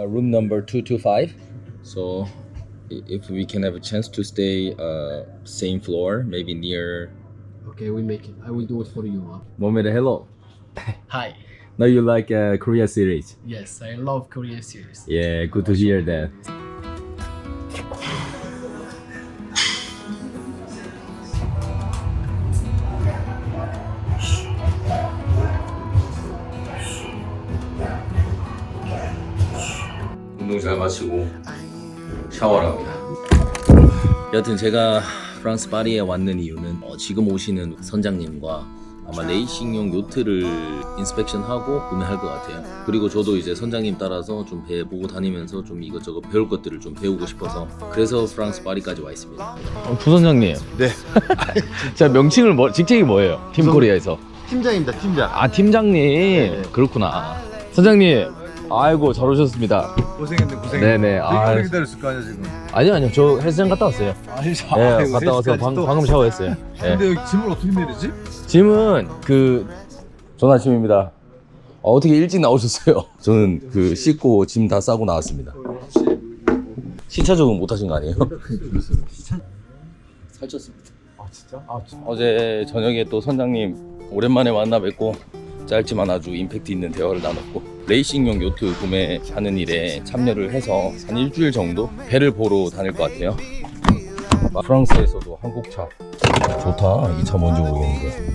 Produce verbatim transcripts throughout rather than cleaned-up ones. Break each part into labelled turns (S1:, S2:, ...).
S1: room number two two five. So i- if we can have a chance to stay uh, same floor, maybe near.
S2: Okay, we make it. I will do it for you. Huh?
S1: Mohamed, hello.
S2: Hi.
S1: Now you like uh, Korea series?
S2: Yes, I love Korean series.
S1: Yeah, good to hear that. 운동 잘 마치고 샤워를 합니다. 여튼 제가 프랑스 파리에 왔는 이유는 어, 지금 오시는 선장님과 아마 레이싱용 요트를 인스펙션하고 구매할 것 같아요. 그리고 저도 이제 선장님 따라서 좀 배 보고 다니면서 좀 이것저것 배울 것들을 좀 배우고 싶어서 그래서 프랑스 파리까지 와 있습니다. 어, 부선장님.
S3: 네.
S1: 자 명칭을 뭐 직책이 뭐예요? 팀 코리아에서.
S3: 팀장입니다, 팀장.
S1: 아 팀장님.
S3: 네.
S1: 그렇구나. 선장님. 아이고 잘 오셨습니다.
S3: 고생했네, 고생했네.
S1: 네네. 아,
S3: 되게 기다렸을 거 아니야 지금.
S1: 아니요 아니요 저 헬스장 갔다 왔어요.
S3: 아니,
S1: 네 갔다 와서 방, 방금 샤워했어요. 네.
S3: 근데 여기 짐을 어떻게 내리지?
S1: 짐은 그 좋은 아침입니다. 어, 어떻게 일찍 나오셨어요? 저는 그 씻고 짐 다 싸고 나왔습니다. 시차 적응 못 하신 거 아니에요? 살쪘습니다.
S3: 아 진짜? 아 진짜.
S1: 어제 저녁에 또 선장님 오랜만에 만나 뵙고 짧지만 아주 임팩트 있는 대화를 나눴고 레이싱용 요트 구매하는 일에 참여를 해서 한 일주일 정도 배를 보러 다닐 것 같아요. 프랑스에서도 한국차 좋다. 이 차 뭔지 모르겠는데.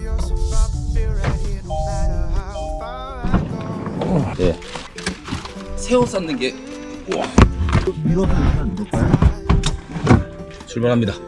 S1: 네. 새우 삶는 게 우와.
S3: 밀어서 일단 넣을까요?
S1: 출발합니다.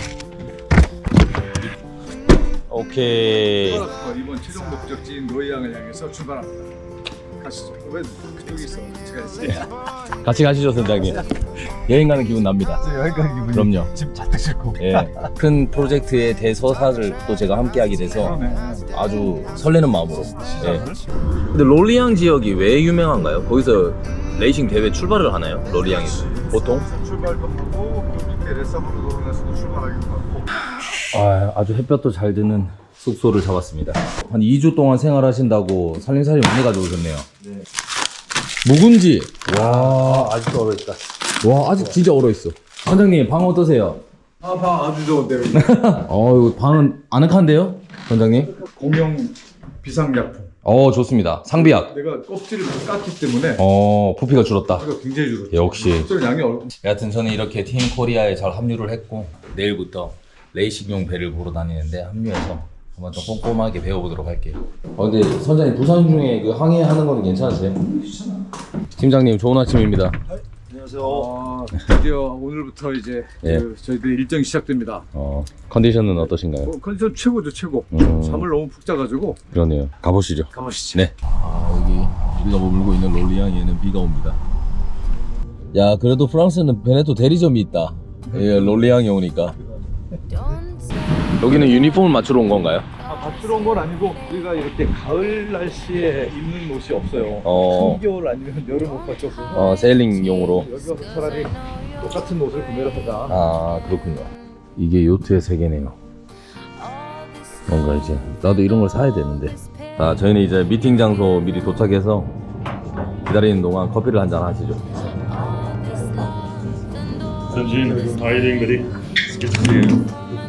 S1: 오케이.
S3: 이번 최종 목적지인 노이양을 향해서 출발합니다. 가시죠. 왜 그쪽에 있어? 제가 있어요.
S1: 같이 가시죠, 선장님. 여행 가는 기분 납니다.
S3: 여행 가는 기분이.
S1: 그럼요.
S3: 짐 잔뜩 싣고.
S1: 예. 큰 프로젝트의 대서사를 또 제가 함께하게 돼서 아주 설레는 마음으로. 예. 근데 롤리앙 지역이 왜 유명한가요? 거기서 레이싱 대회 출발을 하나요? 롤리앙에서 보통?
S3: 출발도 하고 그 밑에 레사브르도에서도 출발하기도 하고.
S1: 아, 아주 햇볕도 잘 드는 숙소를 잡았습니다. 한 이 주 동안 생활하신다고 살림살이 많이 가져오셨네요.
S3: 네.
S1: 묵은지. 와,
S3: 아직도 얼어있다.
S1: 와, 아직 진짜 얼어있어. 선장님, 방 어떠세요?
S3: 아, 방 아주 좋은데요.
S1: 어, 이거 방은 아늑한데요? 선장님?
S3: 공용 비상약품.
S1: 어, 좋습니다. 상비약.
S3: 내가 껍질을 깠기 때문에
S1: 어, 부피가 줄었다.
S3: 이거 굉장히 줄었죠.
S1: 역시.
S3: 껍질 양이 얼.
S1: 여하튼 저는 이렇게 팀 코리아에 잘 합류를 했고 내일부터 레이싱용 배를 보러 다니는데 합류해서 한번 좀 꼼꼼하게 배워보도록 할게요. 어, 근데 선장님 부산 중에 그 항해하는 거는 괜찮으세요? 팀장님 좋은 아침입니다.
S3: 안녕하세요. 아, 드디어 오늘부터 이제
S1: 예.
S3: 그 저희들 일정이 시작됩니다.
S1: 어, 컨디션은 어떠신가요?
S3: 어, 컨디션 최고죠, 최고.
S1: 음.
S3: 잠을 너무 푹 자가지고.
S1: 그러네요. 가보시죠.
S3: 가보시죠.
S1: 네. 아, 여기 우리가 머물고 있는 롤리앙에는 비가 옵니다. 야, 그래도 프랑스는 베네토 대리점이 있다. 예, 롤리앙에 오니까. 여기는 유니폼을 맞추러 온 건가요?
S3: 아, 맞추러 온 건 아니고 우리가 이렇게 가을 날씨에 입는 옷이 없어요.
S1: 어.
S3: 한겨울 아니면 여름 옷 밖에 없어서
S1: 어, 세일링용으로.
S3: 여기 와서 차라리 똑같은 옷을 구매를 하자.
S1: 아, 그렇군요. 이게 요트의 세계네요. 뭔가 이제 나도 이런 걸 사야 되는데. 아, 저희는 이제 미팅 장소 미리 도착해서 기다리는 동안 커피를 한잔 하시죠.
S4: So Jin, how are you doing, buddy? It's good to see you.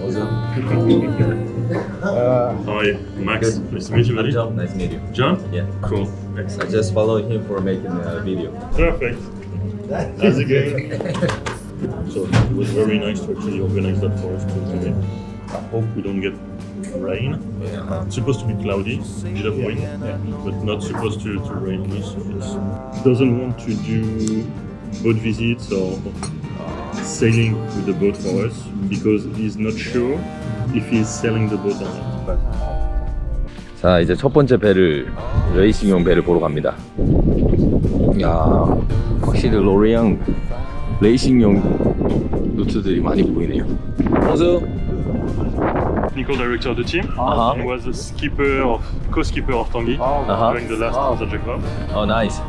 S4: Hi, Max. Nice to meet you, buddy.
S1: John, nice to meet you.
S4: John?
S1: Yeah.
S4: Cool.
S1: I
S4: Excellent.
S1: just followed him for making a video.
S4: Perfect. How's it going? So it was very nice to actually organize that for us today. I hope we don't get rain.
S1: Yeah.
S4: It's supposed to be cloudy, a bit of wind, but not supposed to, to rain. So it doesn't want to do boat visits or sailing with the boat for us because he's not sure if he's selling the boat or not.
S1: 자, 이제 첫 번째 배를 레이싱용 배를 보러 갑니다. 야, 확실히 로리앙 레이싱용 노트들이 많이 보이네요. 안녕하세요.
S4: Technical director of the team
S1: Uh-huh.
S4: and was the skipper of co-skipper of Tanguy
S1: Uh-huh.
S4: during the last uh-huh. Jacob.
S1: Oh, nice.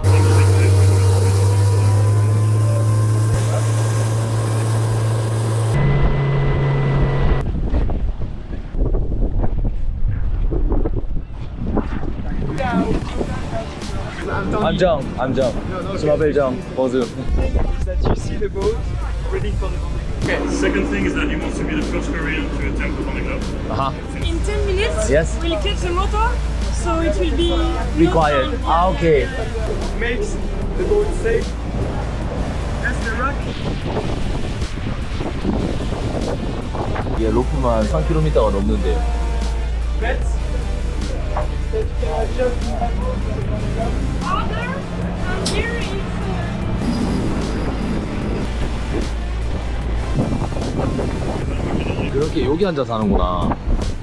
S1: I'm John. I'm John. 스마벨정 버즈.
S5: That you see the boat ready for the Vendée Globe.
S4: Second thing is that he wants to be the first Korean to attempt the Vendée Globe.
S1: 아하.
S6: In ten minutes,
S1: Yes.
S6: we'll catch the motor, so it will be
S1: Be
S6: no
S1: quiet.
S6: time.
S1: 아 오케이.
S5: Makes the boat safe. That's the rock.
S1: 이게 로프만 삼 킬로미터가 넘는데요.
S5: Bets.
S6: Harder, and here it's uh,
S1: 그렇게 여기 앉아 사는구나.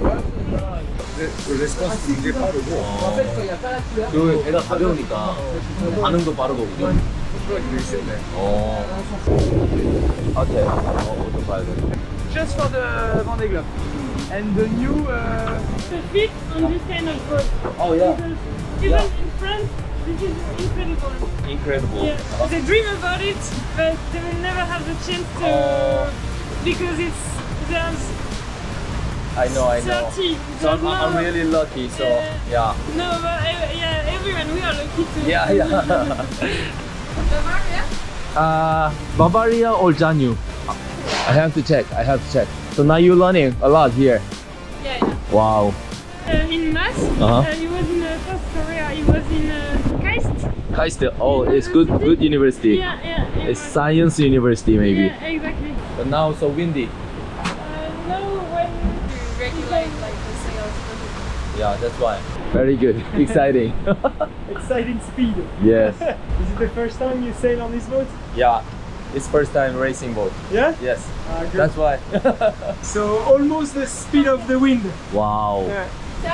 S3: 레스폰스 굉장히 빠르고
S1: 그 배가 가벼우니까 반응도 빠르고 그죠?
S3: 컨트롤이 되게 쉽네.
S1: 어. 오케이. 어, 좀 봐야 돼.
S5: Just for the Vendée Globe. And the new. Uh,
S6: the fit on this kind of boat.
S1: Oh yeah.
S6: Because even in France, this is incredible.
S1: Incredible.
S6: Yeah, they dream about it, but they will never have the chance to
S1: Oh.
S6: because it's there's
S1: I know, I know.
S6: thirty.
S1: So I'm,
S6: There's
S1: I'm
S6: no-
S1: really lucky. So
S6: Yeah.
S1: yeah.
S6: No, but uh, yeah, everyone we are lucky to.
S1: Yeah, yeah.
S6: Bavaria?
S1: Uh, Bavaria or Janyu? I have to check. I have to check. So now you're learning a lot here.
S6: Yeah, yeah.
S1: Wow.
S6: Uh, in math,
S1: Uh-huh.
S6: uh, he was in uh, South Korea. He was in uh, KAIST.
S1: Kaiste. Oh, it's good. Good university.
S6: Yeah, yeah. yeah.
S1: It's science university maybe.
S6: Yeah, exactly.
S1: But now so windy.
S6: Uh, no, when
S7: regulate like the sails.
S1: Yeah, that's why. Very good. Exciting.
S5: exciting speed.
S1: Yes.
S5: Is it the first time you sail on this boat?
S1: Yeah. It's first time racing boat.
S5: Yeah?
S1: Yes.
S5: Ah, good.
S1: That's why.
S5: So almost the speed of the wind.
S1: Wow.
S5: Yeah.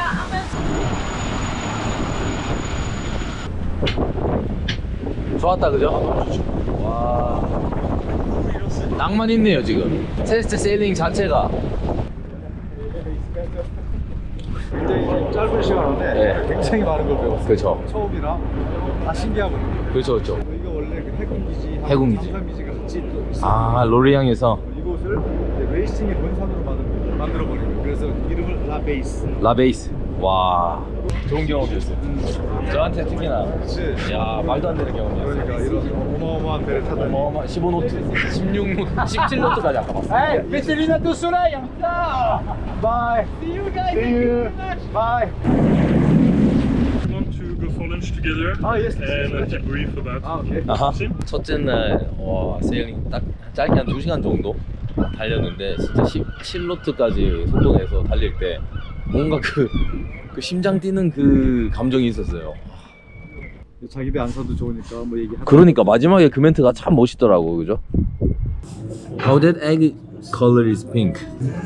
S1: 좋았다 그죠? 와. 낭만 있네요 지금. 테스트 세일링 자체가.
S3: 굉장히 짧은 시간 안에
S1: 네.
S3: 굉장히 많은 걸 배웠어요.
S1: 그렇죠.
S3: 처음이라 다 신기하거든요.
S1: 그렇죠 그렇죠.
S3: 이거 원래 그 해군기지,
S1: 해군기지.
S3: 함산기지가 같이 또 있어요.
S1: 아 로리앙에서
S3: 이곳을 이제 레이싱의 본산으로 만들, 만들어버린 거예요. 그래서 이름을 라베이스.
S1: 라베이스. 와. 좋은 경험이었어요. 저한테 특히나.
S3: 그치?
S1: 야 말도 안 되는 경험이었어요.
S3: 그러니까 이런 어마어마한 배를 타다니.
S1: 어마어마 십오 노트, 십육 노트, 십칠 노트까지 아까 봤어요.
S5: Petelina to Soleil. Bye. See you guys.
S3: See you. Bye.
S4: Want to go for lunch together
S3: Ah, yes.
S4: and a debrief about.
S3: 아, 오케이.
S1: 아하.
S4: Sim?
S1: 첫째 날, 와, 세일링 딱 짧게 한 두 시간 정도 달렸는데, 진짜 십칠 노트까지 속도 내서 달릴 때, 뭔가 그, 그 심장 뛰는 그 감정이 있었어요.
S3: 자기 배 안 사도 좋으니까 뭐 얘기하고.
S1: 그러니까 마지막에 그 멘트가 참 멋있더라고, 그죠? How that egg color is pink.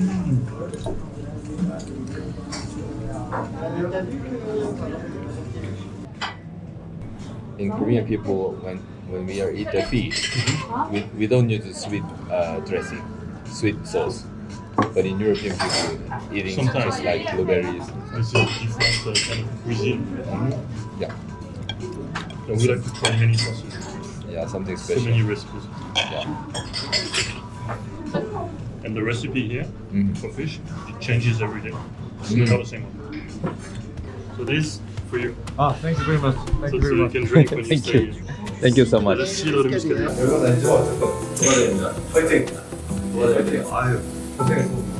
S1: In Korean people, when when we are eat the fish, we, we don't use sweet uh, dressing, sweet sauce. But in European people, eating
S4: Sometimes.
S1: just like blueberries.
S4: It's a different uh, kind of cuisine.
S1: Yeah,
S4: I would like to try many sauces.
S1: yeah, something
S4: So
S1: special.
S4: many recipes.
S1: Yeah.
S4: And the recipe here
S1: Mhm.
S4: for fish, it changes every day. It's
S1: Mm.
S4: not the same one. So this for you.
S3: 아, thank you very much. Thank
S4: So,
S3: you
S4: so
S3: very
S4: you
S3: much.
S4: can drink when you
S1: Thank
S4: stay
S1: you.
S4: here.
S1: Thank you so much.
S4: Let's see a little muscadet.
S3: 여러분 아니죠? 축하드립니다. 파이팅. 파이팅. 아유, 고생했어.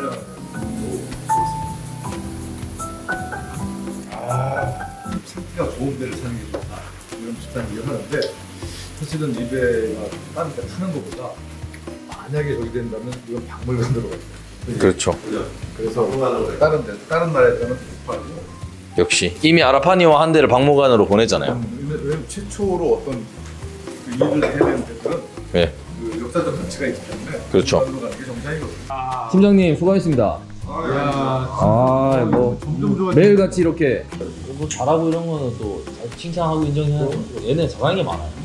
S3: 아, 상태가 좋은 배를 사는 게 좋다. 이런 비슷한 얘기를 하는데 사실은 이 배가 다른 배 타는 것보다 만약에 저기 된다면 이건 박물관으로 가요.
S1: 그렇죠.
S3: 그래서 다른 데 다른 나라에서는 못 팔고
S1: 역시 이미 아라파니와 한 대를 박물관으로 보내잖아요.
S3: 왜냐면 최초로 어떤 그 일을 해야 되는 데들은
S1: 네.
S3: 그 역사적 가치가 있기 때문에
S1: 그렇죠.
S3: 박물관으로 가는 게 정상이거든요.
S1: 팀장님 수고하셨습니다. 아, 뭐
S3: 점점 좋아지고
S1: 매일같이 이렇게 뭐 잘하고 이런 거는 또 칭찬하고 인정해야죠. 얘네 잘하는 게 많아요.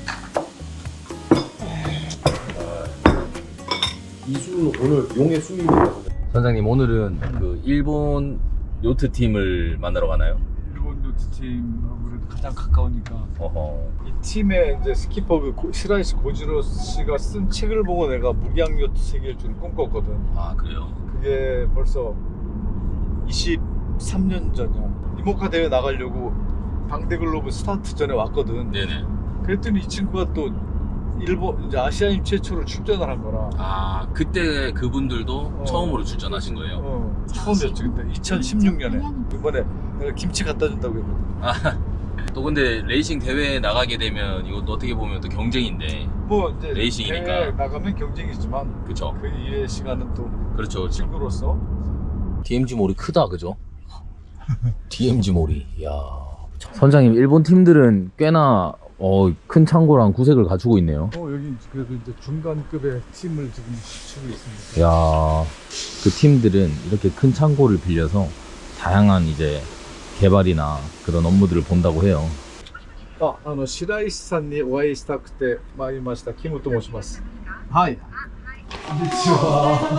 S1: 이수 오늘 용의 수입니다. 선장님 오늘은 그 일본 요트 팀을 만나러 가나요?
S3: 일본 요트팀 아무래도 가장 가까우니까
S1: 어허.
S3: 이 팀의 이제 스키퍼 그 고- 시라이시 고지로 씨가 쓴 책을 보고 내가 무량 요트 세계일 줄 꿈꿨거든.
S1: 아 그래요?
S3: 그게 벌써 이십삼 년 전이야. 이모카 대회 나가려고 방대글로브 스타트 전에 왔거든.
S1: 네네.
S3: 그랬더니 이 친구가 또 일본 이제 아시아인 최초로 출전을 한 거라.
S1: 아 그때 그분들도
S3: 어.
S1: 처음으로 출전하신 거예요?
S3: 어, 처음이었지 그때 이천십육 년에 이번에 내가 김치 갖다 준다고 했거든.
S1: 아, 또 근데 레이싱 대회에 나가게 되면 이것도 어떻게 보면 또 경쟁인데.
S3: 뭐 이제
S1: 레이싱이니까.
S3: 대회에 나가면 경쟁이지만
S1: 그쵸.
S3: 그 이외의 시간은 또
S1: 그렇죠, 그렇죠.
S3: 친구로서.
S1: 디엠지 몰이 크다, 그죠? 디엠지 몰이. 이야. 선장님, 일본 팀들은 꽤나 어, 큰 창고랑 구색을 갖추고 있네요.
S3: 어 여기 그래도 이제 중간급의 팀을 지금 갖추고 있습니다.
S1: 야, 그 팀들은 이렇게 큰 창고를 빌려서 다양한 이제 개발이나 그런 업무들을 본다고 해요.
S3: あ、あの白石さんにお会いしたくて参りました。キムと申します。はい。こんにちは。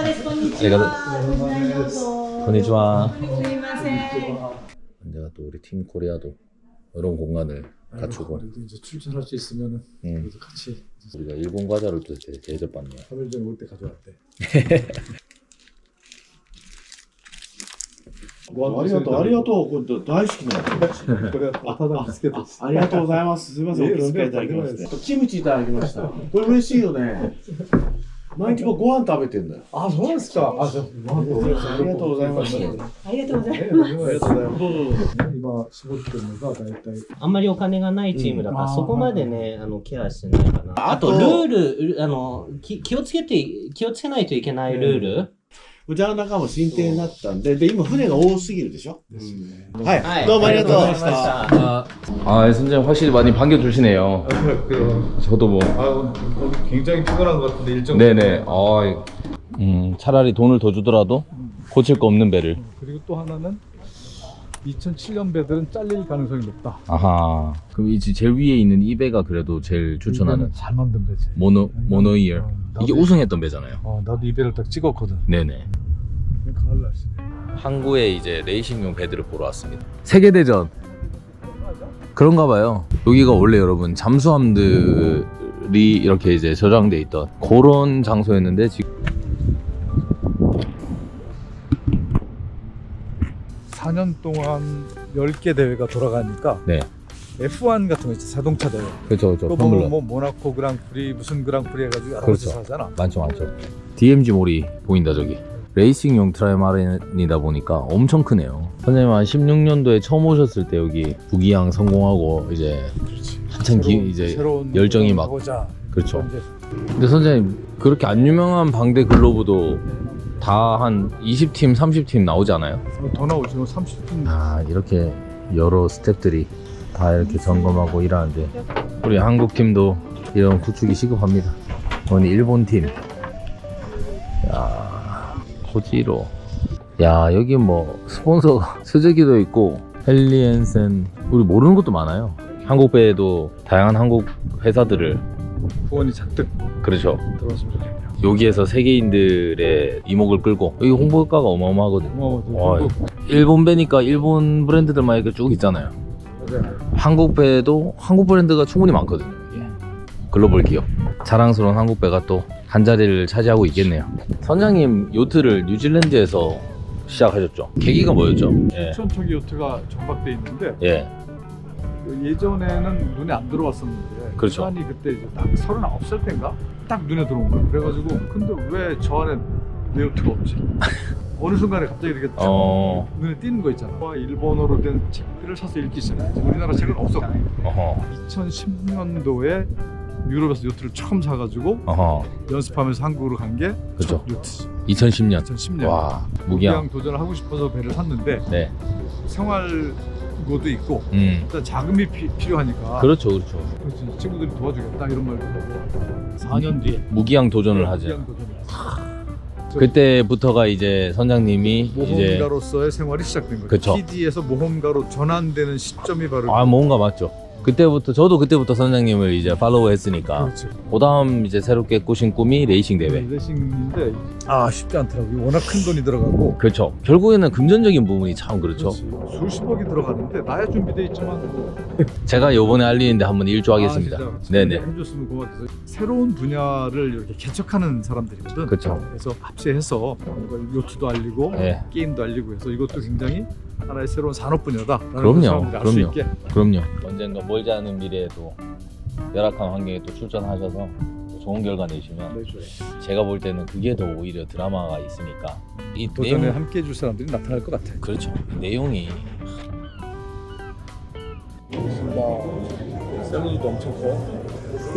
S1: konnichiwa.
S7: すみません。
S1: 언제가 또 우리 팀 코리아도 이런 공간을 갖추고.
S3: 그래도 이제 출전할 수 있으면은
S1: 음.
S3: 그래도 같이
S1: 우리가 일본 과자를 또 대- 대접받네요.
S3: 삼 일 전에 올 때 가져왔대.
S8: ありがとう、ありがとう、これ大好きなの。
S3: 그래 타다 비스켓.
S8: ありがとうございます。すみません、お気遣いいただきまして。キムチいただきました。これ嬉しいよね。毎日僕ご飯食べてんだよ。
S3: 아, 좋았을까? 아, 저,
S8: ありがとうございます。ありがとう
S7: ありがとうござい
S3: あり
S7: ます。
S3: がとうございます。どうぞどうぞ。今絞ってるのが大体。
S9: あんまりお金がないチームだから、
S3: うん
S9: そこまでね、あのケアしてないかな。あと、
S8: あと
S9: ルール、あの、き気をつけて、気をつけないといけないルール。
S8: うちの中も進展になったんで、で、今船が多すぎるでしょ。はい、
S9: はい
S8: どうもありがとうございまし
S9: ありがとうございま
S8: た。
S1: 아, 아 선생님 확실히 많이 반겨주시네요.
S3: 그,
S1: 저도 뭐.
S3: 아, 굉장히 피곤한 것 같은데 일정.
S1: 네네. 아, 음, 차라리 돈을 더 주더라도 고칠 거 없는 배를.
S3: 그리고 또 하나는 이천칠 년 배들은 잘릴 가능성이 높다.
S1: 아하. 그럼 이제 제일 위에 있는 이 배가 그래도 제일 추천하는
S3: 이배는 잘 만든 배지.
S1: 모노 모노이어.
S3: 어,
S1: 이게
S3: 나도-
S1: 우승했던 배잖아요.
S3: 어, 나도 이 배를 딱 찍었거든.
S1: 네네.
S3: 가을 날씨네.
S1: 항구에 이제 레이싱용 배들을 보러 왔습니다. 세계대전 그런가 봐요. 여기가 원래 여러분 잠수함들이 이렇게 이제 저장돼 있던 그런 장소였는데 지금
S3: 사 년 동안 열 개 대회가 돌아가니까
S1: 네.
S3: 에프 원 같은 거 있죠. 자동차 대회.
S1: 그렇죠, 그렇죠.
S3: 그거
S1: 포뮬러
S3: 보면 뭐 모나코 그랑프리 무슨 그랑프리 해가지고 여러
S1: 그렇죠.
S3: 가지 하잖아.
S1: 많죠, 많죠. 디엠지 몰이 보인다 저기. 레이싱용 트라이마린이다 보니까 엄청 크네요. 선생님 한 십육 년도에 처음 오셨을 때 여기 부기양 성공하고 이제
S3: 그렇지.
S1: 한참 기,
S3: 새로운-
S1: 이제
S3: 새로운
S1: 열정이 막
S3: 가보자.
S1: 그렇죠.
S3: 이제
S1: 근데 선생님 그렇게 안 유명한 방대 글로브도 다 한 이십 팀, 삼십 팀 나오지 않아요?
S3: 더 나오죠. 삼십 분.
S1: 아 이렇게 여러 스태프들이 다 이렇게 점검하고 일하는데 우리 한국 팀도 이런 구축이 시급합니다. 오늘 일본 팀. 야 고지로. 야 여기 뭐 스폰서 스즈키도 있고 헬리엔센 우리 모르는 것도 많아요. 한국 배에도 다양한 한국 회사들을
S3: 후원이 잔뜩
S1: 그렇죠.
S3: 들어왔으면 좋겠네요.
S1: 여기에서 세계인들의 이목을 끌고 여기 홍보가가 어마어마하거든요.
S3: 어,
S1: 와,
S3: 또
S1: 일본 배니까 일본 브랜드들만 이렇게 쭉 있잖아요.
S3: 맞아요.
S1: 한국 배도 한국 브랜드가 충분히 많거든요. 이게. 글로벌 기업. 자랑스러운 한국 배가 또 한 자리를 차지하고 있겠네요. 선장님 요트를 뉴질랜드에서 시작하셨죠? 계기가 뭐였죠? 예.
S3: 천척이 요트가 정박돼 있는데
S1: 예.
S3: 예전에는 눈에 안 들어왔었는데
S1: 그렇죠.
S3: 시간이 그때 이제 딱 서른아홉 살 때인가 딱 눈에 들어온 거예요. 그래가지고 근데 왜 저 안에 내 요트가 없지? 어느 순간에 갑자기 이렇게 쫙
S1: 어.
S3: 눈에 띄는 거 있잖아. 일본어로 된 책들을 사서 읽기 시작했지. 우리나라 책은 없었고
S1: 어허.
S3: 이천십 년도에 유럽에서 요트를 처음 사가지고
S1: 어허.
S3: 연습하면서 한국으로 간 게
S1: 그죠.
S3: 요트지.
S1: 이천십 년.
S3: 이천십 년.
S1: 와,
S3: 무기양
S1: 무기양.
S3: 도전을 하고 싶어서 배를 샀는데
S1: 네.
S3: 생활고도 있고
S1: 음.
S3: 일단 자금이 피, 필요하니까
S1: 그렇죠, 그렇죠.
S3: 그렇지, 친구들이 도와주겠다 이런 말 듣고 사 년 뒤에
S1: 무기양 도전을 하죠.
S3: 무기양 도전을 했어.
S1: 그때부터가 이제 선장님이 이제
S3: 모험가로서의 생활이 시작된 거죠.
S1: 그쵸.
S3: 피디에서 모험가로 전환되는 시점이 바로
S1: 아 뭔가 맞죠. 그때부터 저도 그때부터 선장님을 이제 팔로우 했으니까
S3: 그렇죠.
S1: 그다음 이제 새롭게 꾸신 꿈이 레이싱 대회.
S3: 레이싱인데 아 쉽지 않더라고요. 워낙 큰 돈이 들어가고
S1: 그렇죠. 결국에는 금전적인 부분이 참 그렇죠.
S3: 그렇지. 수십억이 들어가는데 나야 준비돼 있지만 뭐.
S1: 제가 요번에 알리는데 한번 일조하겠습니다.
S3: 아, 진짜.
S1: 네네.
S3: 해줬으면 고맙겠어. 새로운 분야를 이렇게 개척하는 사람들이거든.
S1: 그쵸.
S3: 그래서 합체해서 뭔가 요트도 알리고
S1: 네.
S3: 게임도 알리고 해서 이것도 굉장히 하나의 새로운 산업 분야다라는
S1: 그럼요,
S3: 걸 사람들이 알 수
S1: 그럼요.
S3: 있게.
S1: 그럼요. 언젠가 멀지 않은 미래에도 열악한 환경에 또 출전하셔서 또 좋은 결과 내시면 제가 볼 때는 그게 더 오히려 드라마가 있으니까 이
S3: 도전에
S1: 내용
S3: 함께 해줄 사람들이 나타날 것 같아.
S1: 그렇죠. 내용이
S3: 샐러드도 엄청 커.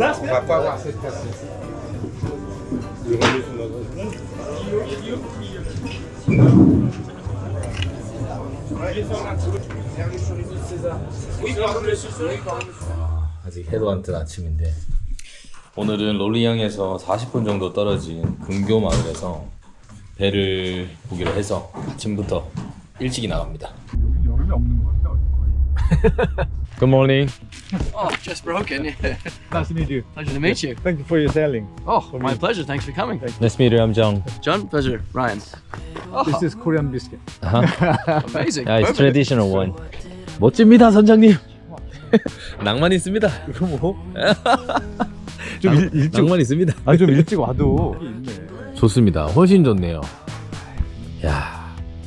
S1: 아직 해도 안 뜬 아침인데 오늘은 롤리항에서 사십 분 정도 떨어진 근교 마을에서 배를 보기로 해서 아침부터 일찍이 나갑니다.
S3: 여름에 없는 것 같아. 거의.
S1: Good morning.
S2: Oh, just broken. Yeah.
S3: Nice to meet you.
S2: Pleasure to meet you.
S3: Thank you for your sailing.
S2: Oh, my pleasure. Thanks for coming.
S1: Nice to meet you. I'm Jung.
S2: John, pleasure. Ryan.
S3: This is Korean biscuit.
S1: Uh-huh.
S2: Amazing.
S1: Yeah, it's
S2: Perfect.
S1: traditional one. 멋집니다, 선장님. 낭만 있습니다.
S3: 이거 뭐? 좀 일, 일찍
S1: 낭만 있습니다.
S3: 아 좀 일찍 와도 있네.
S1: 좋습니다. 훨씬 좋네요. 야.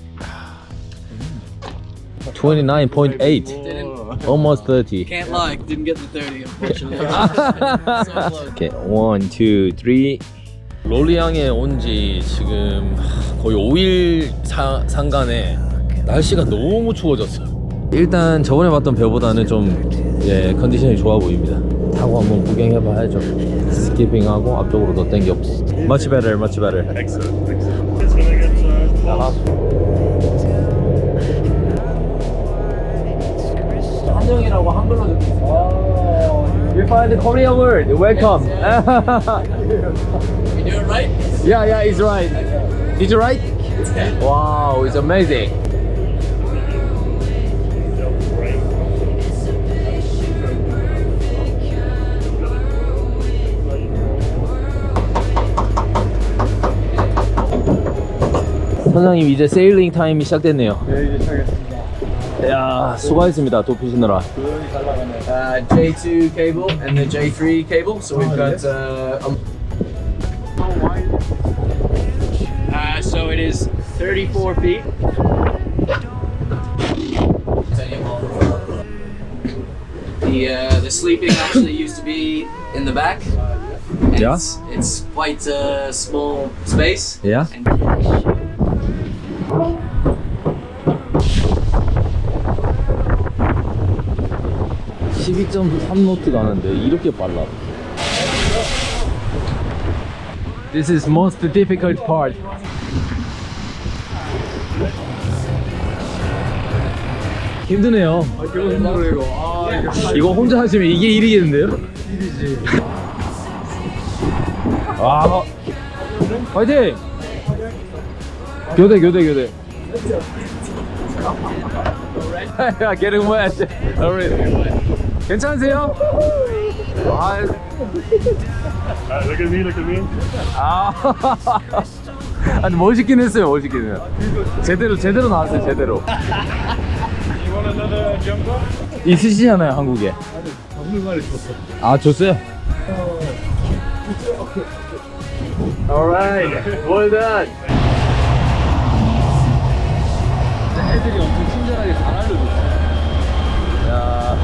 S1: twenty-nine point eight. Almost thirty.
S2: Can't lie. Didn't get the thirty, unfortunately. So close.
S1: Okay, one, two, three. 롤리항에 온 지 지금 거의 오 일 사, 상간에 날씨가 너무 추워졌어. 일단 저번에 봤던 배보다는 좀 예, 컨디션이 좋아 보입니다. 타고 한번 구경해봐야죠. 스키핑하고 앞쪽으로 더 당겼고. Much better, much better.
S4: Excellent, excellent. It's gonna get uh,
S1: 한정이라고 한글로 적혀 있어요. You find the Korean word. Welcome.
S2: You doing right?
S1: Yeah, yeah, it's right. Did you right? Wow, it's amazing. 선장님 이제 세일링 타임이 시작됐네요.
S3: 네 이제 시작했습니다.
S1: 야 수고하셨습니다. 도피시느라.
S2: Uh, J two cable and the J three cable. So we've got. Uh, a... uh, so it is thirty-four feet. The uh, the sleeping actually used to be in the back. And
S1: Yeah.
S2: It's, it's quite a small space.
S1: Yeah.
S2: And
S1: 십이 점 삼 노트 가는데 이렇게 빨라. This is most difficult part. 힘드네요.
S3: 아 이거 힘들어 이거. 아 이거
S1: 이거 혼자 하시면 이게 일이겠는데요?
S3: 일이지.
S1: 아, 화이팅! 교대 교대 교대. 야, getting wet. Alright. 괜찮으세요? 아,
S4: uh, look at me, look at me.
S1: 아, 아니 멋있긴 했어요, 멋있긴 해요. 제대로 제대로 나왔어요, 제대로. 있으시잖아요, 한국에.
S3: 박물관에 줬어.
S1: 아, 줬어요? Alright, well done. 애들이 엄청 친절하게 잘 알려줬어요. 야,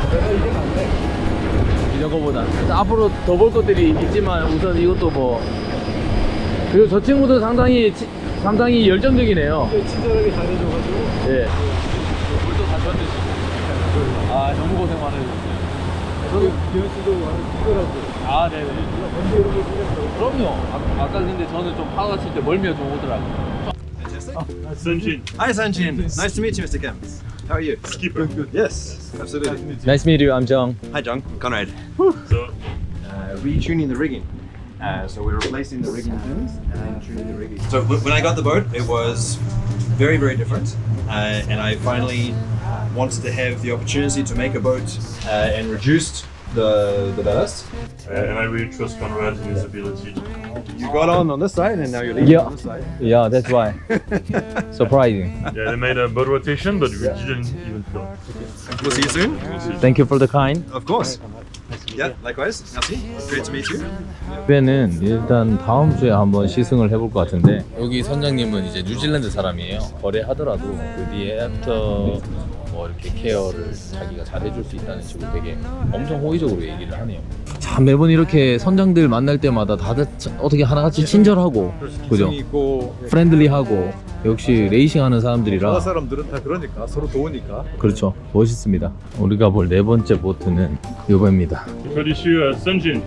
S1: 이런 거보다 앞으로 더 볼 것들이 있지만 우선 이것도 뭐 그리고 저 친구도 상당히 치, 상당히 열정적이네요.
S3: 친절하게 잘해줘가지고.
S1: 예. 물도 다 줬는데. 아, 너무 고생 많으셨어요.
S3: 저기 기현 씨도 친절하고.
S1: 아, 네네. 그럼요. 아, 아까 근데 저는 좀 파가 칠 때 멀미가 좀 오더라고요.
S4: Sunjin,
S5: Hi, Sanjin. Nice to meet you, Mister Kempis. How are you?
S4: skipper.
S5: Yes, absolutely.
S1: Nice to meet you. I'm Jung.
S5: Hi, John. I'm Conrad.
S4: So,
S5: Uh, retuning the rigging. Uh, so we're replacing the rigging pins and tuning the rigging. So w- when I got the boat, it was very, very different. Uh, and I finally wanted to have the opportunity to make a boat uh, and reduced the, the ballast.
S4: uh, and I really trust Conrad in his ability.
S5: You got on on this side and now you're leaving
S1: Yeah.
S5: on this side.
S1: Yeah, that's why. Surprising.
S4: Yeah, they made a boat rotation, but we didn't even feel it.
S5: We'll see you soon.
S1: Thank you for the kind.
S5: Of course. Yeah, likewise. Merci. Great to meet you.
S1: 배는 일단 다음 주에 한번 시승을 해볼 것 같은데 여기 선장님은 이제 뉴질랜드 사람이에요. 거래하더라도 그 뒤에 애프터 뭐 이렇게 케어를 자기가 잘 해줄 수 있다는 식으로 되게 엄청 호의적으로 얘기를 하네요. 참 매번 이렇게 선장들 만날 때마다 다들 참 어떻게 하나같이 친절하고 그죠?
S3: 기승이 있고
S1: 프렌들리하고 역시 레이싱하는 사람들이라
S3: 여러 사람들은 다 그러니까 서로 도우니까.
S1: 그렇죠. 멋있습니다. 우리가 볼 네 번째 보트는 이거입니다.
S4: What is your Sunjin?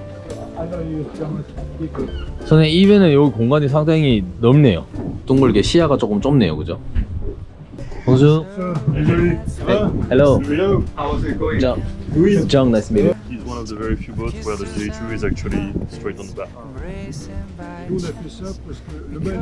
S1: 선생님 이 배는 여기 공간이 상당히 넓네요. 동글게 시야가 조금 좁네요, 그죠? 호수. Hello.
S3: How was it going?
S1: John. John, nice to meet you.
S4: It's one of the very few boats where the J two is actually straight on the back.
S3: Nous on a fait ça parce que le bain.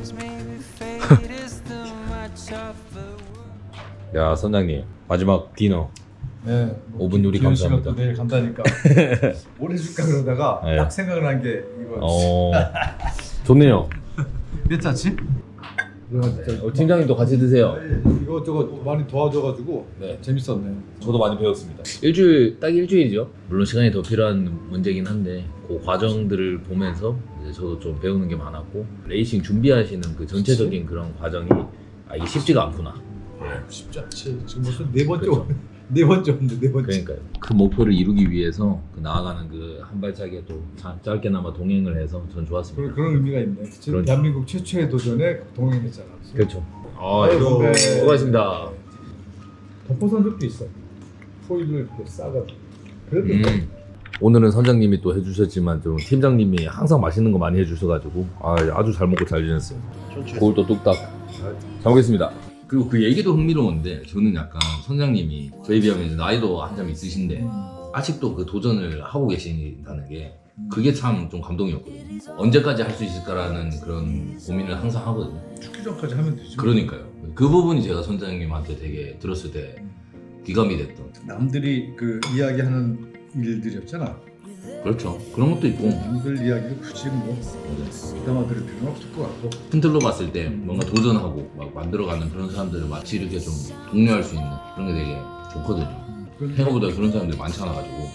S1: 야 선장님 마지막 디너
S3: 네.
S1: 오 분 요리
S3: 기현 씨가
S1: 감사합니다.
S3: 또 내일 간다니까 뭘 해줄까 그러다가
S1: 네.
S3: 딱 생각을 한 게 이거.
S1: 어 좋네요.
S3: 괜찮지?
S1: 어, 팀장님도 같이 드세요.
S3: 이거 저거 많이 도와줘가지고
S1: 네.
S3: 재밌었네.
S1: 저도 많이 배웠습니다. 일주일 딱 일주일이죠. 물론 시간이 더 필요한 문제긴 한데 그 과정들을 보면서 이제 저도 좀 배우는 게 많았고 레이싱 준비하시는 그 전체적인 그런 과정이 아 이게 쉽지가 않구나.
S3: 쉽지 않지. 지금 무슨 네 번째
S1: 그렇죠.
S3: 네 번째 온데 네 번째.
S1: 그러니까요. 그 목표를 이루기 위해서 그 나아가는 그 한 발짝에 또 자- 짧게나마 동행을 해서 전 좋았습니다.
S3: 그런, 그런 의미가 있네. 지금
S1: 그러니까.
S3: 대한민국 최초의 도전에 동행했잖아.
S1: 그렇죠. 아,
S3: 아이고.
S1: 여러분 수고하셨습니다.
S3: 덮어산 적도 있어. 포일을 이렇게 싸가지고. 그래도
S1: 음. 오늘은 선장님이 또 해주셨지만 좀 팀장님이 항상 맛있는 거 많이 해주셔가지고 아, 아주 잘 먹고 잘 지냈어요. 고울도 뚝딱 잘 먹겠습니다. 그리고 그 얘기도 흥미로운데 저는 약간 선장님이 저희 비하면 이제 나이도 한참 있으신데 아직도 그 도전을 하고 계신다는 게 그게 참 좀 감동이었거든요. 언제까지 할 수 있을까라는 그런 고민을 항상 하거든요.
S3: 축구장까지 하면 되지.
S1: 그러니까요. 그 부분이 제가 선장님한테 되게 들었을 때 귀감이 됐던.
S3: 남들이 그 이야기하는 일들이었잖아.
S1: 그렇죠. 그런 것도 있고
S3: 남들 이야기를 굳이 뭐 부담아 들을 필요는 없을 것 같고.
S1: 큰 틀로 봤을 때 뭔가 도전하고 막 만들어가는 그런 사람들을 마치 이렇게 좀 독려할 수 있는 그런 게 되게 좋거든요. 생각보다 그런 사람들이 많지 않아가지고.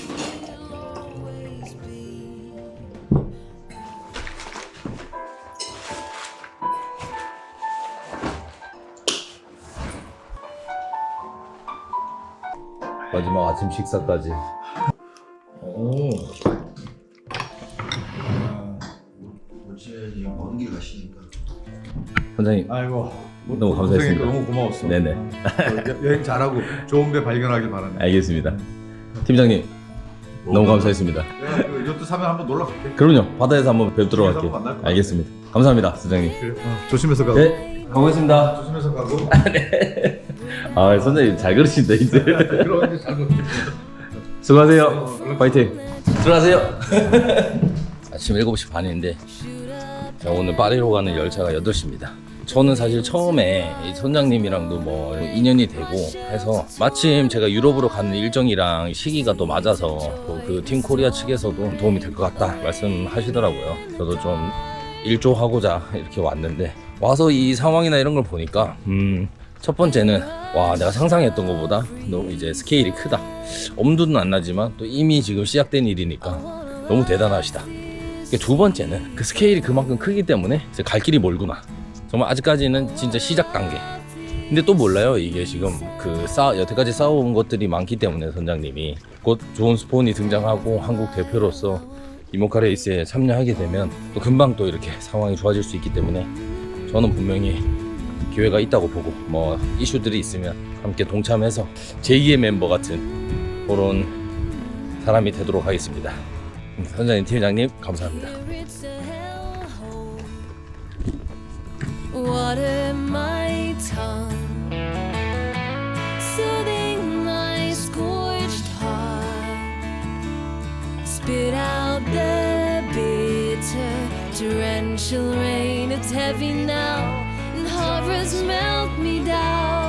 S1: 마지막 아침 식사까지.
S3: 오.
S5: 어제 먼 길 가시니까.
S1: 선장님
S3: 아이고.
S1: 너무 감사했습니다.
S3: 너무 고마웠어.
S1: 네네.
S3: 여- 여행 잘하고 좋은 배 발견하길 바라네.
S1: 알겠습니다. 팀장님 너무 감사했습니다.
S3: 내가 그 요트 사면 한번 놀러 갈게.
S1: 그럼요. 바다에서 한번 뵙도록
S3: 바다에서
S1: 할게요.
S3: 한번 만날 거야.
S1: 알겠습니다. 감사합니다, 선장님.
S3: 그래. 어, 조심해서 가고.
S1: 네, 가보겠습니다.
S3: 조심해서 가고.
S1: 아, 선생님 잘 그러신다 이제.
S3: 그럼 이제 잘 먹지.
S1: 수고하세요. 파이팅. 들어가세요. 아침 일곱 시 반인데 자, 오늘 파리로 가는 열차가 여덟 시입니다. 저는 사실 처음에 이 선장님이랑도 뭐 인연이 되고 해서 마침 제가 유럽으로 가는 일정이랑 시기가 또 맞아서 또 그 팀 코리아 측에서도 도움이 될 것 같다 말씀하시더라고요. 저도 좀 일조하고자 이렇게 왔는데 와서 이 상황이나 이런 걸 보니까 음, 첫 번째는 와 내가 상상했던 것보다 너무 이제 스케일이 크다. 엄두는 안 나지만 또 이미 지금 시작된 일이니까 너무 대단하시다. 두 번째는 그 스케일이 그만큼 크기 때문에 이제 갈 길이 멀구나. 정말 아직까지는 진짜 시작 단계. 근데 또 몰라요. 이게 지금 그 쌓, 여태까지 쌓아온 것들이 많기 때문에 선장님이 곧 좋은 스폰이 등장하고 한국 대표로서 이모카 레이스에 참여하게 되면 또 금방 또 이렇게 상황이 좋아질 수 있기 때문에 저는 분명히 기회가 있다고 보고 뭐 이슈들이 있으면 함께 동참해서 제이의 멤버 같은 그런 사람이 되도록 하겠습니다. 선장님, 팀장님 감사합니다.
S10: Water my tongue, soothing my scorched heart. Spit out the bitter, torrential rain. It's heavy now, and horrors melt me down.